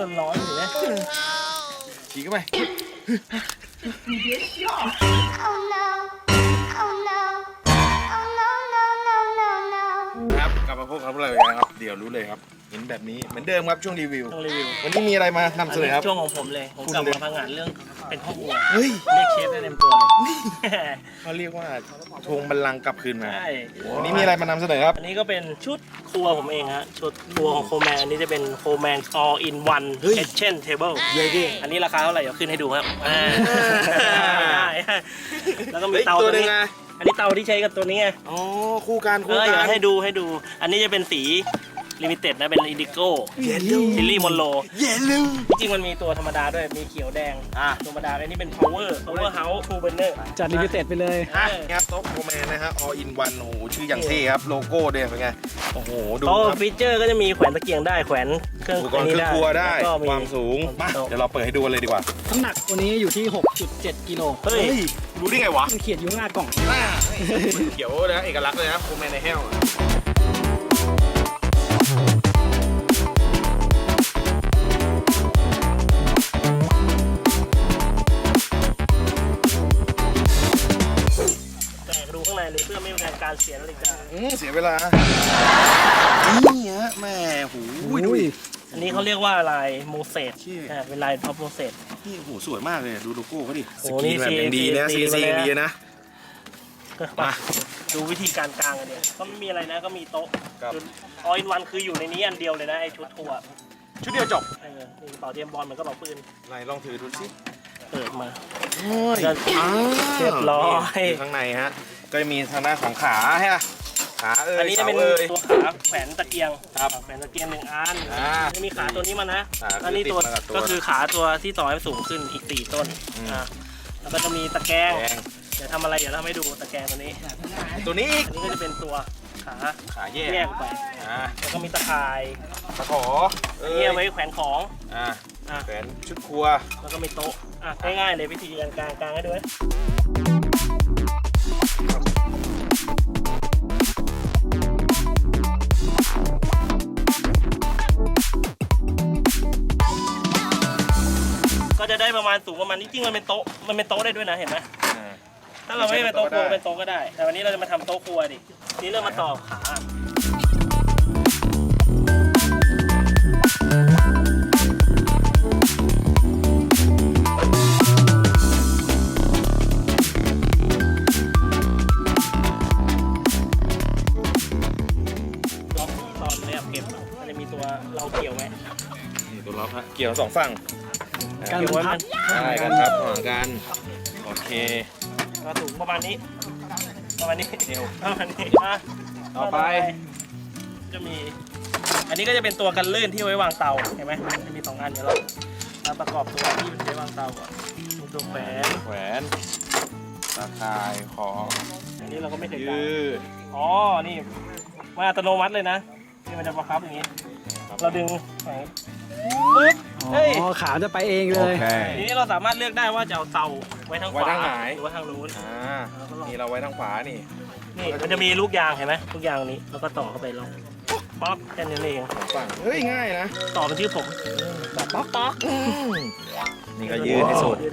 ร้อนอยู่นะฉีกเข้าไปครับกลับมาพบกับเราอีกแล้วครับเดี๋ยวรู้เลยครับเห็นแบบนี้เหมือนเดิมครับช่วงรีวิววันนี้มีอะไรมานำเสนอครับช่วงของผมเลยผมกลับมาพังงานเรื่องเป็นพ่อครัวเฮ้ยเรียกเชฟได้เต็มตัวเลยเขาเรียกว่าทวงบัลลังก์กลับคืนมาใช่วันนี้มีอะไรมานำเสนอครับอันนี้ก็เป็นชุดครัวผมเองฮะชุดครัวของโคแมนอันนี้จะเป็นโคแมน all in one kitchen table อันนี้ราคาเท่าไหร่เดี๋ยวขึ้นให้ดูครับได้แล้วก็มีเตาตัวนี้อันนี้เตาที่ใช้กับตัวนี้ไงอ๋อคู่กันให้ดูอันนี้จะเป็นสีลิมิเต็ดนะเป็นอินดิโก้ซิลลี่มอนโลจริงๆมันมีตัวธรรมดาด้วยมีเขียวแดงธรรมดาอันนี้เป็น power house two burner จัดลิมิเต็ดไปเลยครับโต๊ะโคแมนนะฮะ all in one โอ้โหชื่ออย่างเท่ครับโลโก้เด่นเป็นไงโอ้โหดูครับฟีเจอร์ก็จะมีแขวนตะเกียงได้แขวนเครื่องครัวได้ความสูงเดี๋ยวเราเปิดให้ดูกันเลยดีกว่าน้ำหนักตัวนี้อยู่ที่ 6.7 กิโลเฮ้ยรู้ได้ไงวะมันเขียนอยู่หน้ากล่องเขียวนะเอกลักษณ์เลยนะโคแมนในแห้วเพื่อไม่ให้การเสียนาฬิกาเสียเวลานี่ฮะแม่หูดูอันนี้เขาเรียกว่าลายโมเสสเป็นลายท็อปโมเสสนี่โหสวยมากเลยดูโลโก้เขาดิสกรีนแบบอย่างดีนะซีดีนะมาดูวิธีการกางกันเนี่ยก็ไม่มีอะไรนะก็มีโต๊ะออลอินวันคืออยู่ในนี้อันเดียวเลยนะไอชุดทัวร์ชุดเดียวจบนี่กระเป๋าเตรียมบอลมันก็กระเป๋าปืนไหนลองถือดูสิเปิดมาเรียบร้อยข้างในฮะก็จะมีทางด้านของขาฮะขาอันนี้จะเป็นตัวขาแขวนตะเกียงแขวนตะเกียง1 อันจะมีขาตัวนี้มานะอันนี้ตัวก็คือขาตัวที่ต่อให้สูงขึ้นอีก4 ต้นแล้วก็จะมีตะแกรงเดี๋ยวทำอะไรเดี๋ยวเราให้ดูตะแกรงตัวนี้อันนี้ก็จะเป็นตัวขาแยกไปแล้วก็มีตะข่ายตะขอนี่เอาไว้แขวนของแขวนชุดครัวแล้วก็มีโต๊ะง่ายๆเลยวิธีการกางให้ดูก็จะได้ประมาณสูงประมาณนี้จริงมันเป็นโต๊ะได้ด้วยนะเห็นไหมถ้าเราไม่เป็นโต๊ะครัวเป็นโต๊ะก็ได้แต่วันนี้เราจะมาทำโต๊ะครัวดินี่เรามาต่อขาตอนนี้เก็บมันจะมีตัวเราเกี่ยวไหมตัวล็อกฮะเกี่ยว2 ฝั่งการพับใช่การพับห่างกันโอเคก็สูงประมาณนี้ประมาณนี้ต่อไปจะมีอันนี้ก็จะเป็นตัวกันลื่นที่ไว้วางเตาเห็นไหมจะมี2 อันเดี๋ยวเราประกอบตัวที่ไว้วางเตาก่อนมีตัวแขวนตาข่ายของอันนี้เราก็ไม่เคยยืดนี่มาอัตโนมัติเลยนะที่มันจะประคับอย่างนี้เราดึงปึ๊บขาจะไปเองเลยทีนี้เราสามารถเลือกได้ว่าจะเอาเตาไว้ทางขวาหรือว่าทางนู้นนี่เราไว้ทางขวานี่มันจะมีลูกยางเห็นไหมลูกยางนี้แล้วก็ต่อเข้าไปลงป๊อกแค่นี้เองฝั่งเฮ้ยง่ายนะต่อเป็นชื่อผมแบบป๊อกนี่ก็ยืดให้สุด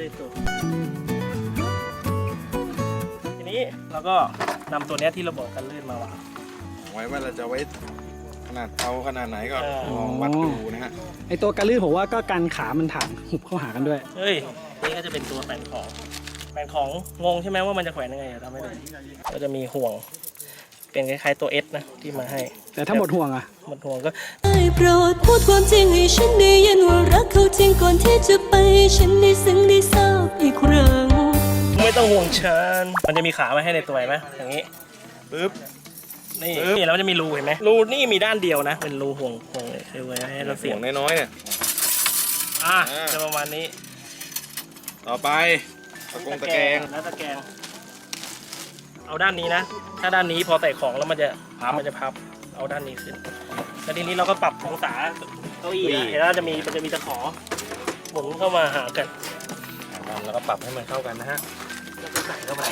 ทีนี้เราก็นำตัวนี้ที่เราบอกกันลื่นมาวางไว้ว่าเราจะไว้ขนาดเตาขนาดไหนก็ลองวัดดูนะฮะไอตัวการลื่นผมว่าก็กันขามันถางหุบเข้าหากันด้วยเฮ้ยนี่ก็จะเป็นตัวแขวนของงงใช่ไหมว่ามันจะแขวนยังไงทำให้ดูก็จะมีห่วงเป็นคล้ายๆตัวเอสนะที่มาให้แต่ถ้าหมดห่วงหมดห่วงก็โปรดพูดความจริงให้ฉันได้ยินว่ารักเขาจริงก่อนที่จะไปฉันได้ซึ้งได้ทราบอีกครั้งไม่ต้องห่วงฉันมันจะมีขามาให้ในตัวไหมอย่างนี้ปึ๊บนี่แล้วมันจะมีรูเห็นไหมรูนี่มีด้านเดียวนะเป็นรูห่วงไว้ให้เราเสียงน้อยๆเนี่ยจะประมาณนี้ต่อไปตะแกรงแล้วตะแกรงเอาด้านนี้นะถ้าด้านนี้พอใส่ของแล้วมันจะพับเอาด้านนี้ขึ้นแล้วทีนี้เราก็ปรับองศาเก้าอี้เห็นแล้วมันจะมีตะขอหมุนเข้ามาหากันแล้วก็ปรับให้มันเข้ากันนะฮะแล้วก็ใส่เข้าไป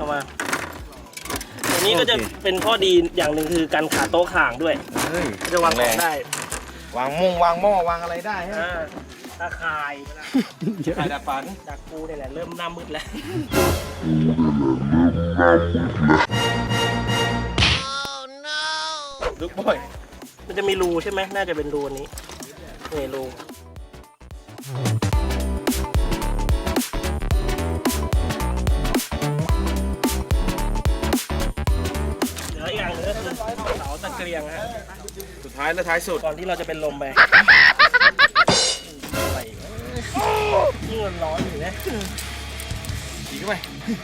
เข้ามาตัวนี้ก็จะเป็นข้อดีอย่างหนึ่งคือการขาโต๊ะข่างด้วยเฮ้ยจะวางของได้วางมุ้งวางหม้อวางอะไรได้ฮะตาข่ายไข่ดัดฝันจากกูเนี่ยแหละเริ่มหน้ามืดแล้วลูกบ่อยมันจะมีรูใช่ไหมน่าจะเป็นรูอันนี้นี่รูเหลืออีกอย่างหนึงก็คือเสาตะเกียงฮะสุดท้ายและท้ายสุดก่อนที่เราจะเป็นลมไปอะไรอีกวะนี่มันร้อนอยู่นะดีเข้าไป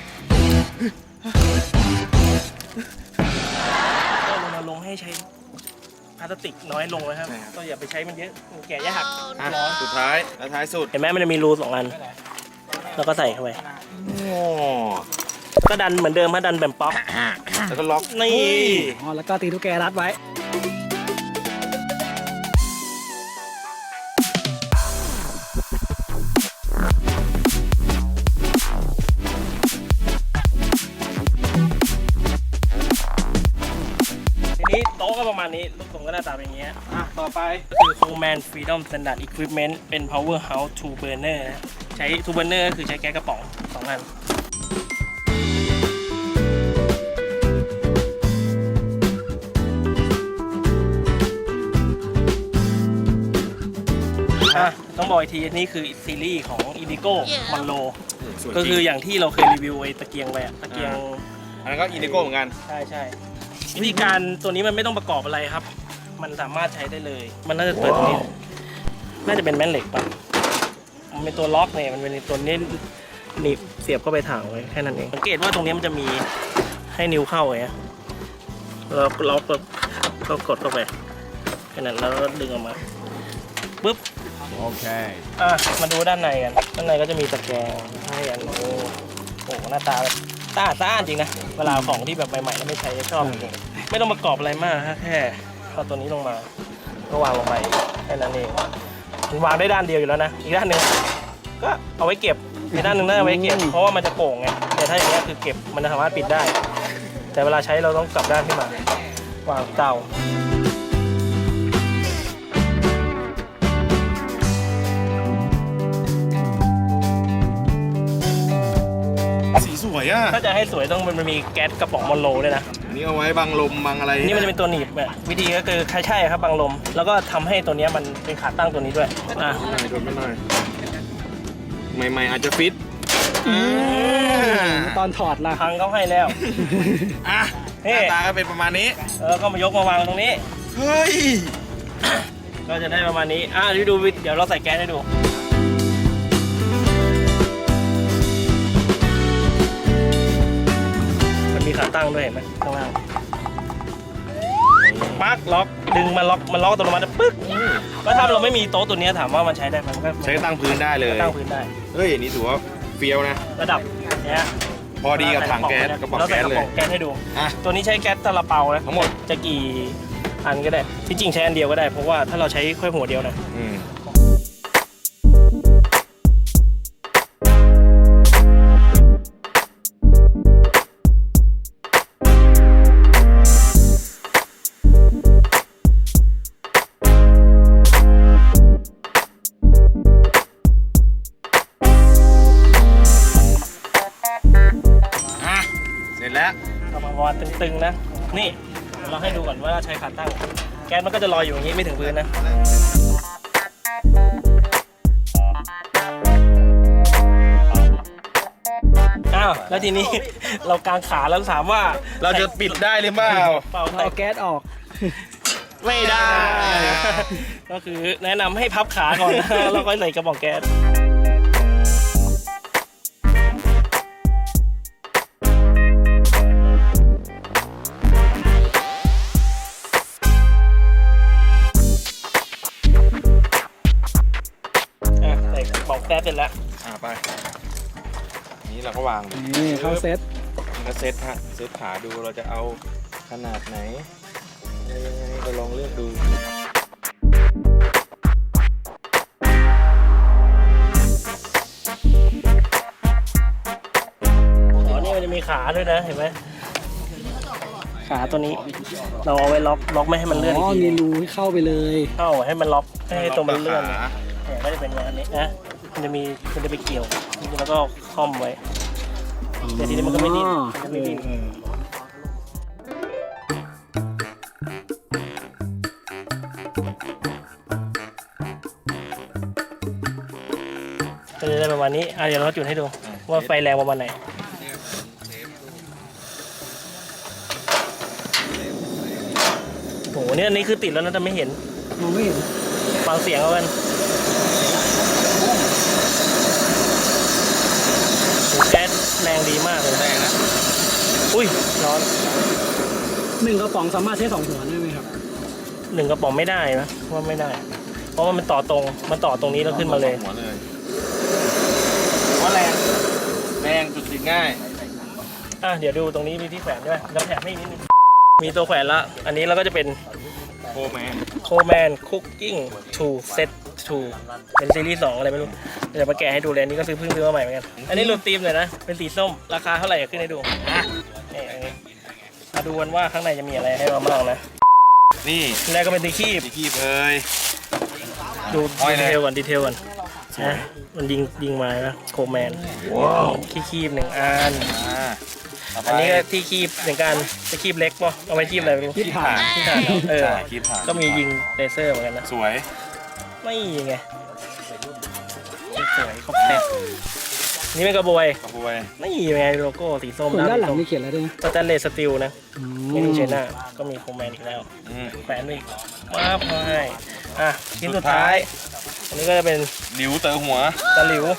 ก็รณรงค์ให้ใช้พลาสติกน้อยลงนะครับก็อย่าไปใช้มันเยอะมันแก่ยากอ่ะร้อนสุดท้ายและท้ายสุดเห็นไหมมันจะมีรู2 อัน แล้วก็ใส่เข้าไปโอ้ก็ดันเหมือนเดิมฮะดันแบบป๊อกแล้วก็ล็อกนี่อ๋อแล้วก็ตีตุ๊กแกรัดไว้ทีนี้โต๊ะก็ประมาณนี้รูปทรงก็หน้าตาเป็นอย่างเงี้ยอ่ะต่อไปก็คือ Coleman Freedom Standard Equipment เป็น Powerhouse 2 burner นะใช้ 2 burner ก็คือใช้แก๊สกระป๋อง 2 อันต้องบอกอีกทีนี่คือซีรีส์ของ Indigo Monroe สวยก็จคืริอง อย่างที่เราเคยรีวิวไอ้ตะเกียงไปอะตะเกียงอันนั้นก็อินดิโก้เหมือนกันใช่วิธีการตัวนี้มันไม่ต้องประกอบอะไรครับ มันสามารถใช้ได้เลย มันน่าจะเปิดตรงนี้ น่าจะเป็นแม่นเหล็กป่ะมันเป็นตัวล็อกเนี่ยมันเป็นตัวนี้หนีบเสียบเข้าไปถังไว้แค่นั้นเองสังเกตว่าตรงนี้มันจะมีให้นิ้วเข้าไงเราล็อกปุ๊บก็กดเข้าไปแค่นั้นแล้วก็ดึงออกมาปุ๊บโอเคมาดูด้านในกันด้านในก็จะมีตะแกรงให้อันโอ้โหหน้าตาแบบสะอาดจริงนะเวลาของที่แบบใหม่ๆแล้วไม่ใช้จะชอบจริงๆไม่ต้องประกอบอะไรมากฮะแค่เอาตัวนี้ลงมาก็วางลงไปแค่นั้นเองมันวางได้ด้านเดียวอยู่แล้วนะอีกด้านหนึ่งก็เอาไว้เก็บอีกด้านหนึ่งน่าเอาไว้เก็บเพราะว่ามันจะโก่งไงแต่ถ้าอย่างนี้ยคือเก็บมันสามารถปิดได้ แต่เวลาใช้เราต้องกลับด้านขึ้นมาวางเตาสีสวยอ่ะถ้าจะให้สวยต้องมันมีแก๊สกระป๋องมอนโลด้วยนะอันนี้เอาไว้บังลมบังอะไรนี่มันจะเป็นตัวหนีบอะวิธีก็คือใช่ครับบังลม แล้วก็ทำให้ตัวเนี้ยมันเป็นขาตั้งตัวนี้ด้วยอ่ะหน่อยโดนมาหน่อยใหม่ๆอาจจะฟิตตอนถอดล่ะพังเขาให้แล้วอ่ะหเฮ้น้าตาก็เป็นประมาณนี้ก็มายกมาวางตรงนี้เฮ้ยก็จะได้ประมาณนี้ดูเดี๋ยวเราใส่แก๊สให้ดูมันมีขาตั้งด้วยเห็นไหมข้างล่างปักล็อกดึงมาล็อกมันล็อกอัตโนมัติปึ๊กก็ถ้าเราไม่มีโต๊ะตัวเนี้ยถามว่ามันใช้ได้ไหมมันก็ใช้ตั้งพื้นได้เลยตั้งพื้นได้เฮ้ยอันนี้ถือว่าเฟี้ยวนะระดับเนี้ยพอดีกับถังแก๊สกระป๋องเราใส่แก๊สกระเลป๋อย งแก๊สให้ดูอ่ะตัวนี้ใช้แก๊สซาลาเปานะทั้งหมดจะกี่อันก็ได้ที่จริงใช้อันเดียวก็ได้เพราะว่าถ้าเราใช้แค่หัวเดียวนะอืม อ่ะ เสร็จแล้วเรามาวางตึงๆนะนี่เราให้ดูก่อนว่าใช้ขาตั้งแก๊สมันก็จะลอยอยู่อย่างนี้ไม่ถึงพื้นนะแล้วทีนี้ เรากางขาแล้วถามว่าเราจะปิดได้หรือเปล่าเปล่าเอาแก๊สออกไม่ได้ ก็คือแนะนำให้พับขาก่อนนะแล้วค่อยใส่กระป๋องแก๊สใส่กระป๋องแก๊สเสร็จแล้วไป นี้เราก็วางนี่เข้าเซตนี่ก็เซตฮะ เซตขาดูเราจะเอาขนาดไหนอะไรยังไงก็ลองเลือกดูนี่มันจะมีมีขาด้วยนะเห็นไหมขาตัวนี้เราเอาไว้ล็อกไม่ให้มันเลื่อนอ๋อีอกทีมีรูให้เข้าไปเลยเข้าให้มันล็อกให้ตรงมันเลื่อนเนี่ยก็จะเป็นอย่างนี้นะมันจะไปเกี่ยวแล้วก็คล่อมไว้เดี๋ยวทีนี้มันก็ไม่ดิ้นมันจะไม่ดิ้นก็จะได้ประมาณนี้เดี๋ยวเราจุดให้ดูว่าไฟแรงประมาณไหนโอ้โหเนี่ยอันนี้คือติดแล้วนะแต่ไม่เห็นมองไม่เห็นฟังเสียงเอากันแก๊สแรงดีมากเลยแรงนะอุ้ยร้อน 1 กระป๋องสามารถใช้2 หัวได้ไหมครับ 1 กระป๋องไม่ได้นะว่าไม่ได้ เพราะว่ามันต่อตรงนี้แล้วขึ้นมาเลยหัวเลยว่าแรงจุดติดง่ายเดี๋ยวดูตรงนี้มีที่แขวนด้วยแล้วแถมให้นิดนึงมีตัวแขวนละอันนี้เราก็จะเป็นโคแมน Coleman Cooking 2 Set 2เป็นซีรีส์2อะไรไม่รู้เดี๋ยวมาแกะให้ดูเลยอันนี้ก็เพิ่งซื้อมาใหม่เหมือนกันอันนี้หลุดธีมเลยนะเป็นสีส้มราคาเท่าไหร่ขึ้นให้ดูนี่อันนี้มาดูกันว่าข้างในจะมีอะไรให้เราบ้างนะนี่แรกก็เป็นตะคีบตีคีบเอ้ยดูห้อยดีเลยเทลก่อนนะมันยิงมานะโคแมนคีบ1 อัน อันนี้ก็ที่คีบเหมือนกันจะคีบเล็กป่ะเอาไว้คีบอะไรไม่รู้คีบถ่านคีบถ่านเออคีบผ่านก็มียิงเลเซอร์เหมือนกันนะสวยไม่ไงสวยครบเซ็ตนี่เป็นกระบวยกระบวยไม่ไงโลโก้สีส้มส่วนด้านหลังส้มมีเขียนอะไรด้วยนะสแตนเลสสตีลนะอืนี่มดูเชน่าก็มีโคแมนอีกแล้วแขวนอีกมาบให้ชิ้นสุดท้าย อันนี้ก็จะเป็นหลิวเต๋อหัวตะหลิว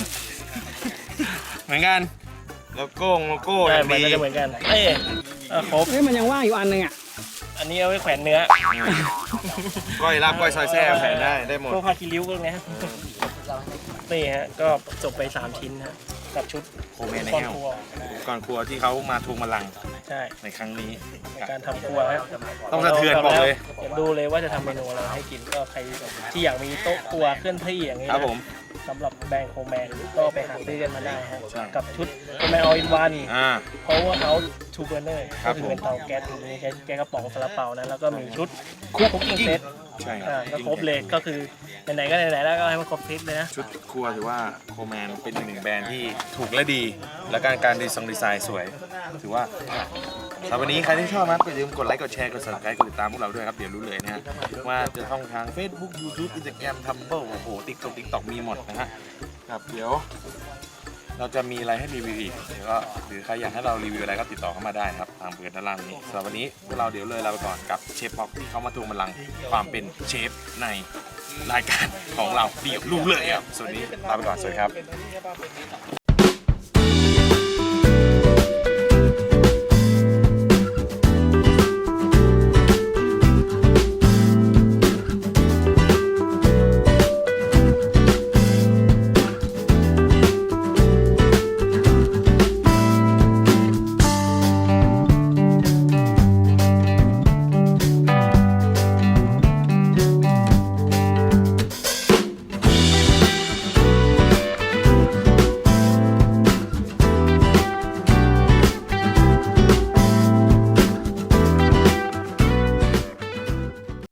เหมือนกันโลโก้ใช่อย่างมันดีก็จะเหมือนกันครบมันยังว่างอยู่อันนึงอ่ะอันนี้เอาไว้แขวนเนื้อก้อยลาบก้อยซอยแซ่แผ่นได้หมดพวกผ้าคีริ้วพวกนี้นี่ฮะก็จบไป3 ชิ้นฮะกับชุดโคแมนในก้อนแก้วครัวก่อนครัวที่เขามาทวงบัลลังก์ใช่ในครั้งนี้ในการทำครัวฮะต้องสะเทือนบอกเลยเดี๋ยวดูเลยว่าจะทำเมนูอะไรให้กินก็ใครที่อยากมีโต๊ะครัวเคลื่อนที่อย่างนี้ครับนะผมสำหรับแบรนด์โคแมนก็ไปหาซื้อกันมาได้ฮะใช่กับชุดโคแมนออลอินวัน Power House Two Burner ครัก็บคือผมเป็นเตาแก๊สตรงนี้ใช้แก๊สกระป๋องซาลาเปานะแล้วก็มีชุดคุกกิ้งเซตใช่ก็ครบเลยก็คือไหนๆก็ไหนๆแล้วก็ให้มันครบเซตเลยนะชุดครัวถือว่าโคแมนเป็นอีกหนึ่งแบรนด์ที่ถูกและดี และการดีไซน์สวย ถือว่าสำหรับวันนี้ใครที่ชอบครับอย่าลืมกดไลค์กดแชร์กด subscribe กดติดตามพวกเราด้วยครับเดี๋ยวรู้เลยนะฮะว่าจะช่องทาง Facebook YouTube Instagram Tumblr โอ้โห TikTok มีหมดนะฮะครับเดี๋ยวเราจะมีอะไรให้รีวิวอีกเดี๋ยวก็หรือใครอยากให้เรารีวิวอะไรก็ติดต่อเข้ามาได้ครับตามเบอร์ด้านล่างนี้สำหรับวันนี้พวกเราเดี๋ยวเลยลาไปก่อนกับเชฟพ็อกที่เขามาทวงบัลลังก์ความเป็นเชฟในรายการของเราเดี๋ยวรู้เลยครับส่วนนี้ลาไปก่อนสวัสดีครับ